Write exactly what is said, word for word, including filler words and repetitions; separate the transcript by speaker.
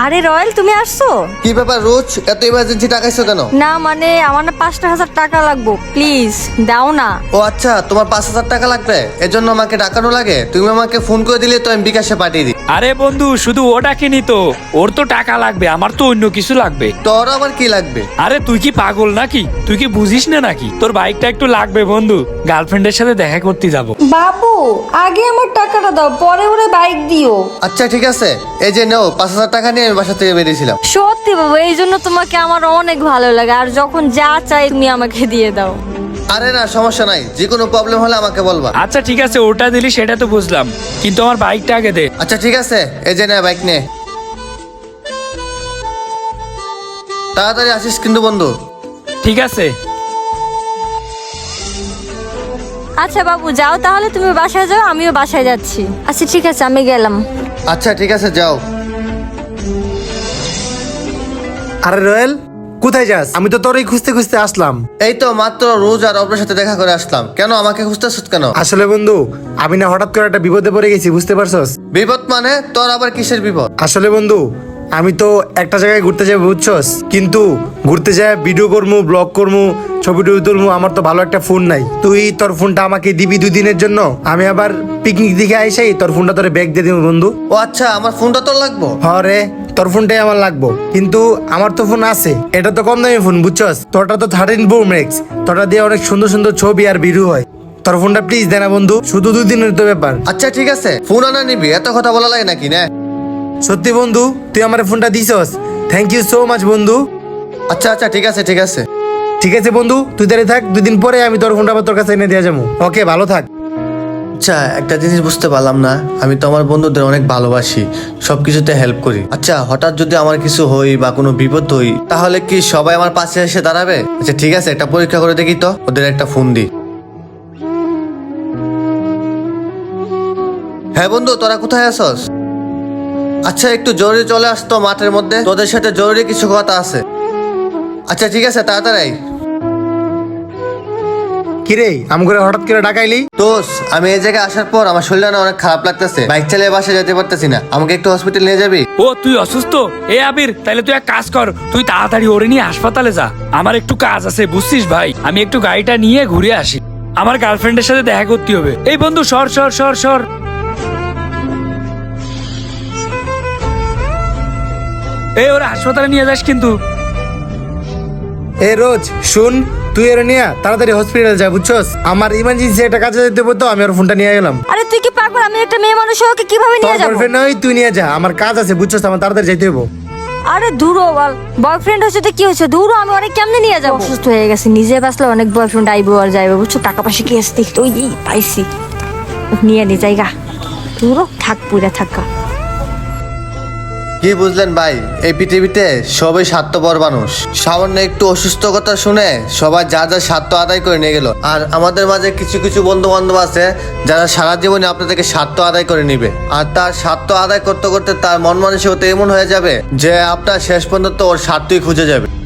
Speaker 1: আরে রয়েল, তুমি আসছো?
Speaker 2: কি ব্যাপার রোজ এত ইমার্জেন্সি টাকাইছো কেন?
Speaker 1: না মানে আমার না পাঁচটা হাজার টাকা লাগবো, প্লিজ দাও না।
Speaker 2: ও আচ্ছা, তোমার পাঁচ হাজার টাকা লাগবে, এজন্য আমাকে ডাকানো লাগে? তুমি আমাকে ফোন করে দিলে তো আমি বিকাশে পাঠিয়ে দিই।
Speaker 3: আরে বন্ধু, শুধু ও ডাকেনি তো, ওর তো টাকা লাগবে, আমার তো অন্য কিছু লাগবে।
Speaker 2: তোর আবার কি লাগবে?
Speaker 3: আরে তুই কি পাগল নাকি? তুই কি বুঝিস না নাকি? তোর বাইকটা একটু লাগবে বন্ধু, গার্লফ্রেন্ডের সাথে দেখা করতে যাব।
Speaker 1: বাবু আগে আমার টাকাটা দাও, পরে ওরে বাইক দিও।
Speaker 2: আচ্ছা ঠিক আছে, এই যে নাও পাঁচ হাজার টাকা নিয়ে আমি বাসা থেকে বেরিয়েছিলাম।
Speaker 1: সত্যি বাবু, এই জন্য তোমাকে আমার অনেক ভালো লাগে, আর যখন যা চাই তুমি আমাকে দিয়ে দাও।
Speaker 2: আরে না সমস্যা নাই, যে কোনো প্রবলেম হলে আমাকে বলবা।
Speaker 3: আচ্ছা ঠিক আছে, ওটা দিলি সেটা তো বুঝলাম, কিন্তু আমার বাইকটা আগে দে।
Speaker 2: আচ্ছা ঠিক আছে, এই যে নে বাইক নে, তাড়াতাড়ি আসিস কিন্তু বন্ধু।
Speaker 3: ঠিক আছে।
Speaker 1: আচ্ছা বাবু যাও তাহলে, তুমি বাসায় যাও, আমিও বাসায় যাচ্ছি। আচ্ছা ঠিক আছে, আমি গেলাম।
Speaker 2: আচ্ছা ঠিক আছে যাও।
Speaker 4: আরে রয়েল, কোথায় যাস? আমি তো তোরই খুঁজতে খুঁজতে আসলাম।
Speaker 2: এই তো মাত্র রোজ আর অপরের সাথে দেখা করে আসলাম। কেন আমাকে খুঁজতেছ কেন?
Speaker 4: আসলে বন্ধু, আমি না হঠাৎ করে একটা বিপদে পড়ে গেছি, বুঝতে পারছস?
Speaker 2: বিপদ মানে? তোর আবার কিসের বিপদ?
Speaker 4: আসলে বন্ধু, আমি তো একটা জায়গায় ঘুরতে যাবো বুঝছস, কিন্তু ঘুরতে যায় ভিডিও করবো, ব্লগ করবো, ছবি টবি তুলবো, আমার তো ভালো একটা ফোন নাই। তুই তোর ফোনটা আমাকে দিবি দুই দিনের জন্য, আমি আবার পিকনিক দিকে আইসাই তোর ফোনটা তোরে ব্যাগ দিয়ে দিব বন্ধু।
Speaker 2: ও আচ্ছা, আমার ফোনটা তোর লাগবো?
Speaker 4: হরে, তোর ফোনটাই আমার লাগবো, কিন্তু আমার তো ফোন আছে, এটা তো কম দামি ফোন বুঝছস, তোরটা তো থার্টিন প্রো ম্যাক্স, তোরটা দিয়ে অনেক সুন্দর সুন্দর ছবি আর ভিডিও হয়। তোর ফোনটা প্লিজ দে না বন্ধু, শুধু দুই দিনের তো ব্যাপার।
Speaker 2: আচ্ছা ঠিক আছে, ফোন আনা নিবি, এত কথা বলা লাগে নাকি না?
Speaker 4: সত্যি বন্ধু, তুই আমার ফোনটা দিছস, থ্যাংক ইউ সো মাচ বন্ধু।
Speaker 2: আচ্ছা আচ্ছা ঠিক আছে ঠিক আছে।
Speaker 4: ঠিক আছে বন্ধু, তুই দাঁড়িয়ে থাক, দুই দিন পরে আমি তোর ফোনটা আবার তোর কাছে এনে দিয়ে যাবো। ওকে, ভালো থাক।
Speaker 2: আচ্ছা একটা জিনিস বুঝতে পারলাম না, আমি তো আমার বন্ধুদের অনেক ভালোবাসি, সবকিছুতে হেল্প করি। আচ্ছা হঠাৎ যদি আমার কিছু হই বা কোনো বিপদ হই, তাহলে কি সবাই আমার পাশে এসে দাঁড়াবে? আচ্ছা ঠিক আছে, একটা পরীক্ষা করে দেখি তো, ওদের একটা ফোন দিই। হ্যাঁ বন্ধু, তোরা কোথায় আছস? আচ্ছা একটু জরুরি চলে আসতো মাঠের মধ্যে, তোদের সাথে জরুরি কিছু কথা আছে। আচ্ছা ঠিক আছে, তাড়াতাড়ি।
Speaker 4: কিরে, আম করে হঠাৎ করে ডাকাইলি?
Speaker 2: দোষ, আমি এই জায়গায় আসার পর আমার শরীরটা অনেক খারাপ লাগতেছে, বাইক চালিয়ে বাসায় যেতে পারতেছি না, আমাকে একটু হসপিটাল নিয়ে যাবি?
Speaker 3: ও তুই অসুস্থ? এ আবির, তাহলে তুই এক কাজ কর, তুই তাড়াতাড়ি ওরে নিয়ে হাসপাতালে যা, আমার একটু কাজ আছে বুঝছিস ভাই, আমি একটু গাড়িটা নিয়ে ঘুরে আসি, আমার গার্লফ্রেন্ডের সাথে দেখা করতে হবে। এই বন্ধু সর সর সর সর। এই ওরা হাসপাতালে নিয়ে যাস কিন্তু।
Speaker 4: এ রোজ শুন, তুই এর নিয়ে তাড়াতাড়ি হসপিটাল যা বুঝছস, আমার ইমার্জেন্সি একটা কাজে যেতে হবে, তো আমি ওর ফোনটা নিয়ে গেলাম।
Speaker 1: আরে তুই কি পাগল? আমি একটা মেয়ে মানুষ, ওকে কিভাবে
Speaker 4: তোর
Speaker 1: নিয়ে যাবো?
Speaker 4: গার্লফ্রেন্ড নয়, তুই নিয়ে যা, আমার কাজ আছে বুঝছস, আমার তাড়াতাড়ি যেতে হবে।
Speaker 1: আরে দূরও বল, বয়ফ্রেন্ড হচ্ছে তো কি হচ্ছে, দূরও আমি অনেক কেমনে নিয়ে যাবো? অসুস্থ হয়ে গেছে, নিজে বাঁচলে অনেক বয়ফ্রেন্ড আইবো আর যাইবো, বুঝছো? টাকা পয়সা কি আসতে ওই পাইছি, নিয়ে নি জায়গা, দূরও থাক, পুরা থাকা।
Speaker 2: কি বুঝলেন ভাই, এই পৃথিবীতে সবাই স্বার্থপর মানুষ, সামান্য একটু অসুস্থ কথা শুনে সবাই যা যা স্বার্থ আদায় করে নিয়ে গেল। আর আমাদের মাঝে কিছু কিছু বন্ধু বান্ধব আছে যারা সারা জীবনে আপনাদেরকে স্বার্থ আদায় করে নিবে, আর তার স্বার্থ আদায় করতে করতে তার মন মানসিকতা এমন হয়ে যাবে যে আপনার শেষ পর্যন্ত ওর স্বার্থই খুঁজে যাবে।